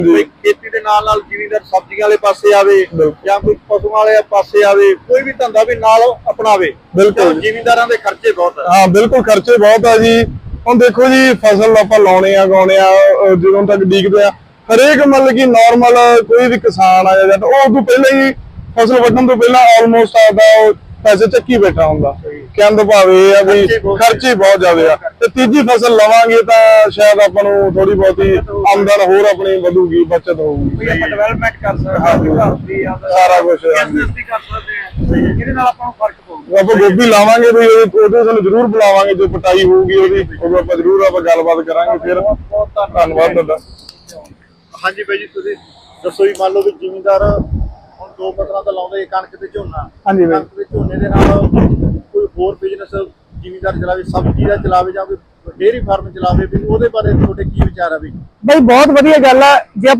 ਕੋਈ ਖੇਤੀ ਦੇ ਨਾਲ ਜ਼ਿਮੀਂਦਾਰ ਸਬਜ਼ੀਆਂ ਵਾਲੇ ਪਾਸੇ ਆਵੇ ਜਾਂ ਕੋਈ ਪਸ਼ੂਆਂ ਵਾਲੇ ਪਾਸੇ ਆਵੇ, ਕੋਈ ਵੀ ਧੰਦਾ ਵੀ ਨਾਲ ਅਪਣਾਵੇ। ਬਿਲਕੁਲ ਜ਼ਿਮੀਂਦਾਰਾਂ ਦੇ ਖਰਚੇ ਬਹੁਤ ਆ। ਹਾਂ ਬਿਲਕੁਲ ਖਰਚੇ ਬਹੁਤ ਆ ਜੀ। ਹੁਣ ਦੇਖੋ ਜੀ ਫਸਲ ਆਪਾਂ ਲਾਉਣੇ ਆ ਗਾਉਣੇ ਆ, ਜਦੋਂ ਤੱਕ ਡੀਕਦੇ ਆ ਹਰੇਕ ਮਤਲਬ ਕਿ ਨਾਰਮਲ ਕੋਈ ਵੀ ਕਿਸਾਨ ਆ ਜਾਂਦਾ ਉਹ ਤੋਂ ਪਹਿਲਾਂ ਹੀ ਫਸਲ ਵੱਢਣ ਤੋਂ ਪਹਿਲਾਂ ਆਲਮੋਸਟ ਆਪਦਾ ਪੈਸੇ ਚੱਕੀ ਬੈਠਾ ਹੁੰਦਾ। ਕਹਿੰਦ ਭਾਵੇਂ ਇਹ ਆ ਵੀ ਖਰਚੇ ਬਹੁਤ ਜ਼ਿਆਦੇ ਆ, ਤੇ ਤੀਜੀ ਫਸਲ ਲਵਾਂਗੇ ਤਾਂ ਸ਼ਾਇਦ ਆਪਾਂ ਨੂੰ ਥੋੜੀ ਬਹੁਤੀ ਆਮਦਨ ਹੋਰ ਆਪਣੀ ਵਧੂਗੀ, ਬਚਤ ਹੋਊਗੀ, ਆਪਾਂ ਡਿਵੈਲਪਮੈਂਟ ਕਰ ਸਕਦੇ ਹਾਂ, ਘਰ ਦੀ ਸਾਰਾ ਕੁਝ ਬਿਜ਼ਨਸ ਵੀ ਕਰ ਸਕਦੇ ਹਾਂ, ਇਹਦੇ ਨਾਲ ਆਪਾਂ ਨੂੰ ਫਰਕ ਪਊਗਾ। ਆਪਾਂ ਗੋਭੀ ਲਾਵਾਂਗੇ ਵੀ ਉਹਦੇ ਸਾਨੂੰ ਜ਼ਰੂਰ ਬੁਲਾਵਾਂਗੇ, ਜੋ ਪਟਾਈ ਹੋਊਗੀ ਉਹਦੀ ਉਦੋਂ ਆਪਾਂ ਜ਼ਰੂਰ ਆਪਾਂ ਗੱਲਬਾਤ ਕਰਾਂਗੇ। ਫਿਰ ਬਹੁਤ ਧੰਨਵਾਦ ਤੁਹਾਡਾ। ਹਾਂਜੀ ਬਾਈ ਜੀ, ਤੁਸੀਂ ਦੱਸੋ ਜੀ, ਮੰਨ ਲਓ ਵੀ ਜ਼ਿਮੀਂਦਾਰ ਹੁਣ ਦੋ ਫਸਲਾਂ ਤਾਂ ਲਾਉਂਦੇ, ਕਣਕ ਤੇ ਝੋਨਾ। ਹਾਂਜੀ ਬਾਈ, ਕਣਕ ਤੇ ਝੋਨੇ ਦੇ ਨਾਲ ਕੋਈ ਹੋਰ ਬਿਜ਼ਨਸ ਜ਼ਿਮੀਂਦਾਰ ਚਲਾਵੇ, ਸਬਜ਼ੀ ਦਾ ਚਲਾਵੇ ਜਾਂ ਕੋਈ ਡੇਅਰੀ ਫਾਰਮ ਚਲਾਵੇ, ਵੀ ਉਹਦੇ ਬਾਰੇ ਤੁਹਾਡੇ ਕੀ ਵਿਚਾਰ ਆ? ਵੀ ਬਈ ਬਹੁਤ ਵਧੀਆ ਗੱਲ ਆ। ਜੇ